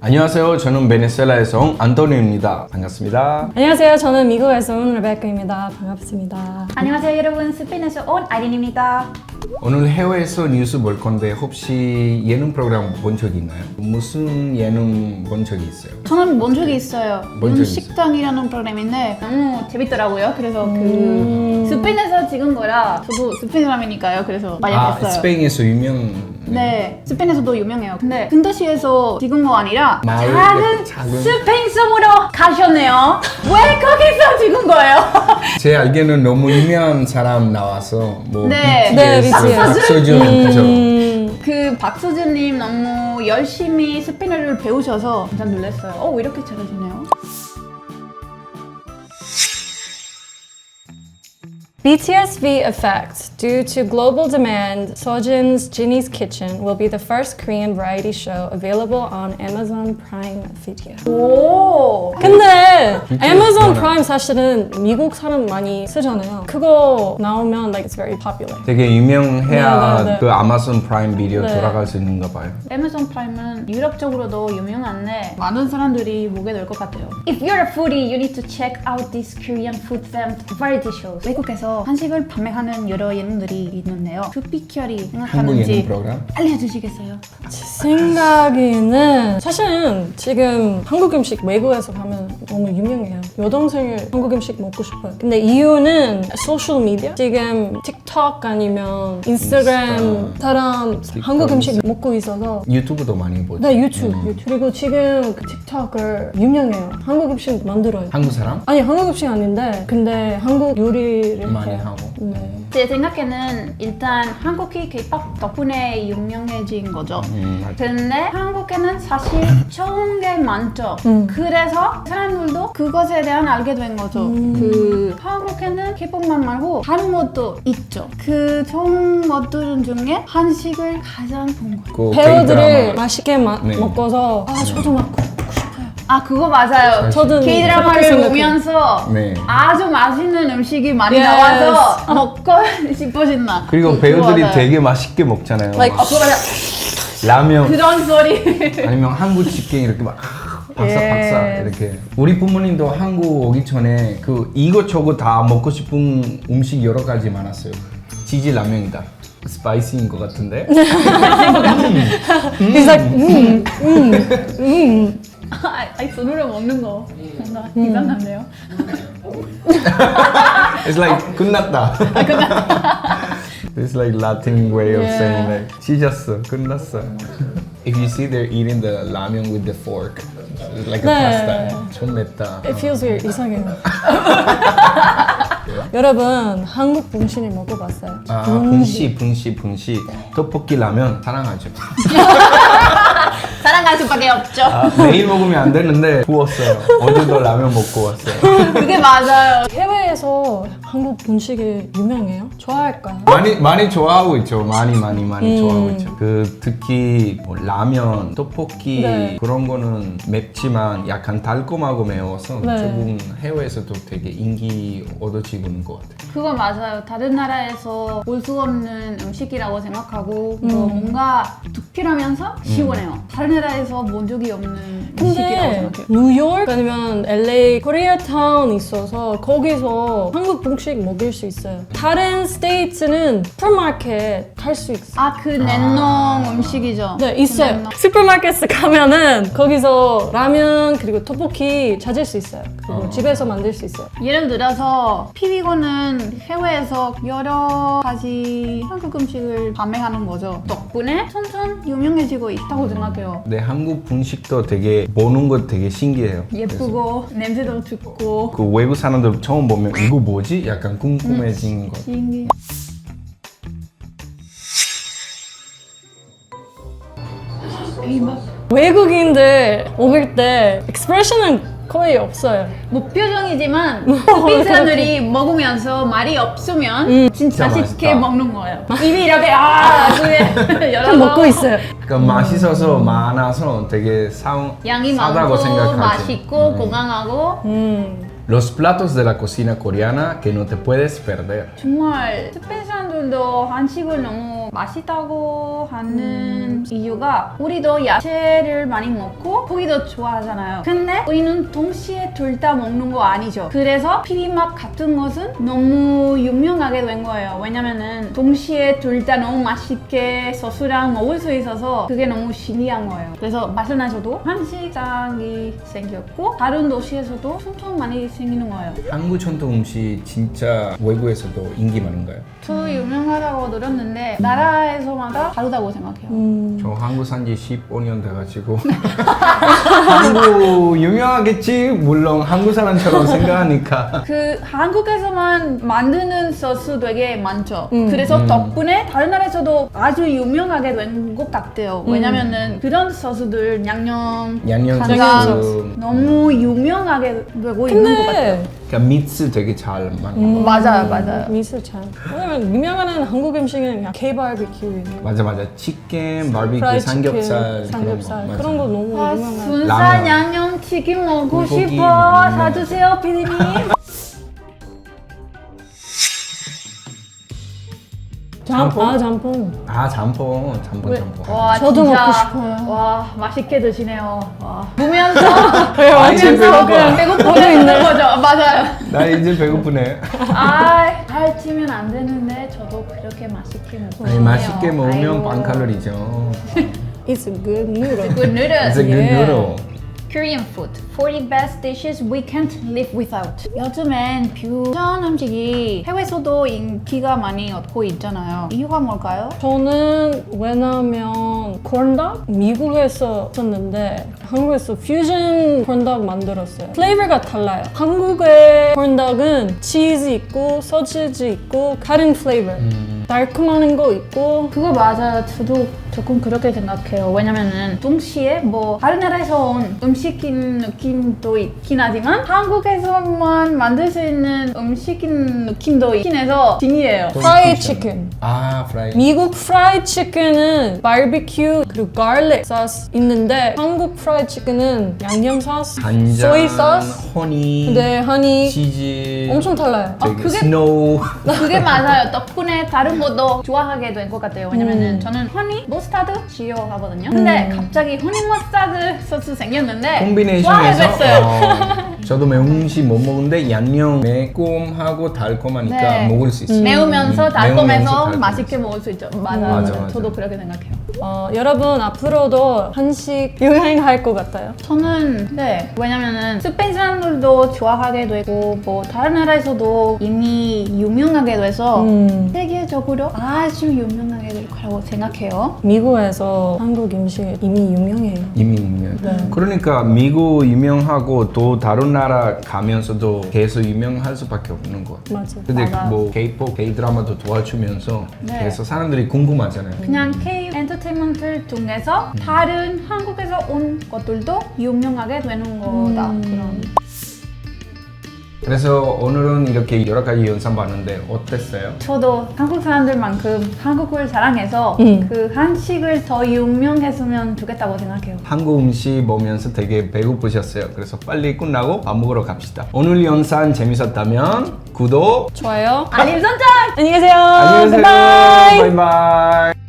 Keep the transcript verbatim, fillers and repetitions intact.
안녕하세요. 저는 베네수엘라에서 온 안토니오입니다. 반갑습니다. 안녕하세요. 저는 미국에서 온 레베카입니다. 반갑습니다. 안녕하세요 여러분, 스페인에서 온 아린입니다. 오늘 해외에서 뉴스 볼 건데 혹시 예능 프로그램 본 적이 있나요? 무슨 예능 본 적이 있어요? 저는 본 적이 있어요. 본 적이 식당이라는 프로그램인데 너무 재밌더라고요. 그래서 음. 그 스페인에서 찍은 거라 저도 스페인 사람이니까요. 그래서 많이 아, 봤어요. 스페인에서 유명. 네, 스페인에서도 유명해요. 근데 큰 도시에서 찍은 거 아니라 마을, 작은, 작은- 스페인 섬으로 가셨네요. 왜 거기서 찍은 거예요? 제 알기에는 너무 유명한 사람 나와서 뭐 네. 네, 비티에스, 비티에스. 박서준 그죠? 음, 그 박서준님 너무 열심히 스페인어를 배우셔서 진짜 놀랐어요. 어, 왜 이렇게 잘하시네요? B T S V effect. Due to global demand, Sojin's Ginny's Kitchen will be the first Korean variety show available on Amazon Prime Video. 오. 근데 비티에스 Amazon 뭐라? Prime 사실은 미국 사람 많이 쓰잖아요. 그거 나오면 like it's very popular. 되게 유명해야 네, 네, 네. 그 아마존 프라임 비디오 네. 돌아갈 수 있는가 봐요. 아마존 프라임은 유럽 쪽으로도 유명한데 많은 사람들이 보게 될 것 같아요. If you're a foodie, you need to check out these Korean food themed variety shows. 외국에서 한식을 판매하는 여러 예능들이 있는데요. 그 비결이 한국 예능 생각하는지 프로그램? 알려주시겠어요? 제 생각에는 사실은 지금 한국 음식 외국에서 가면 너무 유명해요. 여동생이 한국 음식 먹고 싶어요. 근데 이유는 소셜 미디어? 지금 틱톡 아니면 인스타그램 인스타. 사람 틱톡, 한국 음식 인스타. 먹고 있어서 유튜브도 많이 보죠. 네 유튜브, 음. 유튜브. 그리고 지금 그 틱톡을 유명해요. 한국 음식 만들어요. 한국 사람? 아니 한국 음식 아닌데 근데 한국 요리를 많이 해요. 하고. 네. 제 생각에는 일단 한국이 K-팝 덕분에 유명해진 거죠. 음, 맞아. 근데 한국에는 사실 좋은 게 많죠. 음. 그래서 사람들도 그것에 대한 알게 된 거죠. 음. 그 한국에는 K-팝만 말고 다른 것도 있죠. 그 좋은 것들 중에 한식을 가장 본 거예요. 그 배우들을 K-드라마. 맛있게 마, 네. 먹어서 아 저도 막 먹고 싶어요. 아, 그거 맞아요. 저도 그렇게 K-드라마를 생각해요. 보면서 네. 아주 맛있는 음식이 많이 Yes. 나와서 먹고 싶어진다. 그리고 그거 배우들이 맞아요. 되게 맛있게 먹잖아요. Like, 막 어, 그거 맞아요. 라면 그런 소리. 아니면 한국 치킨 이렇게 막 박사박사 Yes. 이렇게. 우리 부모님도 한국 오기 전에 그 이것저것 다 먹고 싶은 음식 여러 가지 많았어요. 치즈 라면이다. 스파이시인 것 같은데. He's like 음, 음, 음. 아, 아니, 손으로 먹는 거 뭔가 이상한데요? It's like 끝났다. It's like Latin way of Yeah. saying like 찢었어, 끝났어. If you see they're eating the ramen with the fork, it's like a 네. pasta. 좀 맵다. It feels weird. 이상해요. 여러분 한국 분식을 먹어봤어요? 아, 분식, 분식, 분식. 떡볶이 라면 사랑하죠. 사랑할 수밖에 없죠. 아, 매일 먹으면 안 되는데 구웠어요. 어제도 라면 먹고 왔어요. 그게 맞아요. 해외에서 한국 분식이 유명해요? 좋아할까요? 많이 많이 좋아하고 있죠. 많이 많이 많이 음. 좋아하고 있죠. 그 특히 뭐 라면, 떡볶이 네. 그런 거는 맵지만 약간 달콤하고 매워서 네. 조금 해외에서도 되게 인기 얻어지고 있는 것 같아요. 그거 맞아요. 다른 나라에서 볼 수 없는 음식이라고 생각하고 음. 뭐 뭔가 두피라면서 시원해요. 다른 나라에서 본 적이 없는 음식이라고 근데 생각해요. 뉴욕 아니면 엘에이 코리아타운 있어서 거기서 한국 분식 먹을 수 있어요. 다른 스테이트는 슈퍼마켓 갈 수 있어요. 아, 그 냉동 음식이죠? 네, 그 있어요. 냉동. 슈퍼마켓에 가면은 거기서 라면 그리고 떡볶이 찾을 수 있어요. 그리고 집에서 만들 수 있어요. 예를 들어서 피비고는 해외에서 여러 가지 한국 음식을 판매하는 거죠. 덕분에 점점 유명해지고 있다고 생각해요. 근데 한국 분식도 되게 보는 것 되게 신기해요. 예쁘고 냄새도 좋고 그 외국 사람들 처음 보면 이거 뭐지? 약간 궁금해진 거. 신기해. 외국인들 먹을 때 expression은 거의 없어요. 무표정이지만 스페인 사람들이 먹으면서 말이 없으면 진짜 진짜 맛있게 맛있다. 먹는 거예요. 입이 이렇게 아 그게 열어서 좀 먹고 있어요. 그러니까 맛있어서 많아서 되게 사, 양이 싸다고 많고 생각하지. 맛있고 건강하고 음. Los platos de la cocina coreana que no te puedes perder. 정말 스페인 사람들도 한식을 너무 맛있다고 하는 이유가 우리도 야채를 많이 먹고 고기도 좋아하잖아요. 근데 우리는 동시에 둘 다 먹는 거 아니죠. 그래서 피리맛 같은 것은 너무 유명하게 된 거예요. 왜냐면은 동시에 둘 다 너무 맛있게 소스랑 먹을 수 있어서 그게 너무 신기한 거예요. 그래서 말씀하셔도 한식당이 생겼고 다른 도시에서도 엄청 많이 생기는 거예요. 한국 전통 음식 진짜 외국에서도 인기 많은가요? 저 유명하다고 들었는데 나라에서마다 다르다고 생각해요. 음. 저 한국 산지 십오 년 돼가지고 한국 유명하겠지. 물론 한국 사람처럼 생각하니까. 그 한국에서만 만드는 소스 되게 많죠. 음. 그래서 음. 덕분에 다른 나라에서도 아주 유명하게 된 것 같아요. 왜냐면은 그런 소스들 양념, 양념 간장 소스. 너무 유명하게 되고 있는 것 같아요. 근데 그러니까 믹스 되게 잘 만든 음, 맞아요, 맞아요. 미술 참. 왜냐면 유명한 한국 음식은 그냥 K-바비큐, 맞아 맞아. 치킨, 바비큐, 프라이드 삼겹살, 치킨, 삼겹살 그런 거. 그런 거 너무 아, 유명한. 순살 라면. 양념 튀김 먹고 불고기 싶어. 많이 사주세요, 피디님. 짬뽕. 아 짬뽕. 아 잠뽕, 잠뽕, 왜? 잠뽕. 와, 저도 진짜, 먹고 싶어요. 와, 맛있게 드시네요. 와. 보면서 왜 아, 이제 보면서 배고파. 그냥 배고프게 있는 거죠. 맞아요. 나 이제 배고프네. 아, 살 찌면 안 되는데 저도 그렇게 맛있게 먹고 아니, 맛있게 먹으면 반 칼로리죠. It's a good noodle. Good noodles. It's a good Yeah. noodle. Korean food. forty best dishes we can't live without. 요즘엔 퓨전 음식이 해외에서도 인기가 많이 얻고 있잖아요. 이유가 뭘까요? 저는 왜냐면 콘닭 미국에서 썼는데 한국에서 퓨전 콘닭 만들었어요. 플레이버가 달라요. 한국의 콘닭은 치즈 있고 소시지 있고 다른 플레이버. 달콤한 거 있고 그거 맞아요. 저도 조금 그렇게 생각해요. 왜냐면은 동시에 뭐 다른 나라에서 온 음식인 느낌도 있긴 하지만 한국에서만 만들 수 있는 음식인 느낌도 있긴 해서 신기해요. 프라이 치킨. 아, 프라이. 미국 프라이 치킨은 바비큐 그리고 갈릭 소스 있는데 한국 프라이 치킨은 양념 소스, 간장, 소이 소스, 허니, 네, 허니 치즈, 엄청 달라요. 아, 되게 그게- 스노우. 그게 맞아요. 덕분에 다른 것도 좋아하게 된 것 같아요. 왜냐면은 저는 허니 머스타드 싫어하거든요. 근데 갑자기 허니 머스타드 소스 생겼는데 콤비네이션에서 좋아하겠어요. 어, 저도 매운 음식 못 먹는데 양념 매콤하고 달콤하니까 네. 먹을 수 있어요. 매우면서 음, 달콤해서 매우면서 달콤해서. 맛있게 먹을 수 있죠. 맞아요. 맞아, 맞아요. 맞아. 저도 그렇게 생각해요. 어, 여러분 앞으로도 한식 유행할 것 같아요. 저는 네 왜냐면은 스페인 사람들도 좋아하게 되고 뭐 다른 나라에서도 이미 유명하게 돼서 음. 세계적으로 아주 유명하게 될 거라고 생각해요. 미국에서 한국 음식 이미 유명해요. 이미 유명. 네. 그러니까 미국 유명하고 또 다른 나라 가면서도 계속 유명할 수밖에 없는 것 같아요. 맞아. 근데 맞아. 뭐 K-팝, K-드라마도 도와주면서 네. 계속 사람들이 궁금하잖아요. 그냥 K 엔터테인먼트를 통해서 다른 한국에서 온 것들도 유명하게 되는 거다. 음. 그런. 그래서 오늘은 이렇게 여러 가지 영상 봤는데 어땠어요? 저도 한국 사람들만큼 한국을 사랑해서 음. 그 한식을 더 유명했으면 좋겠다고 생각해요. 한국 음식 보면서 되게 배고프셨어요. 그래서 빨리 끝나고 밥 먹으러 갑시다. 오늘 영상 재밌었다면 구독, 좋아요. 알림 설정! 안녕히 계세요. 안녕히 계세요. 바이바이. 바이바이.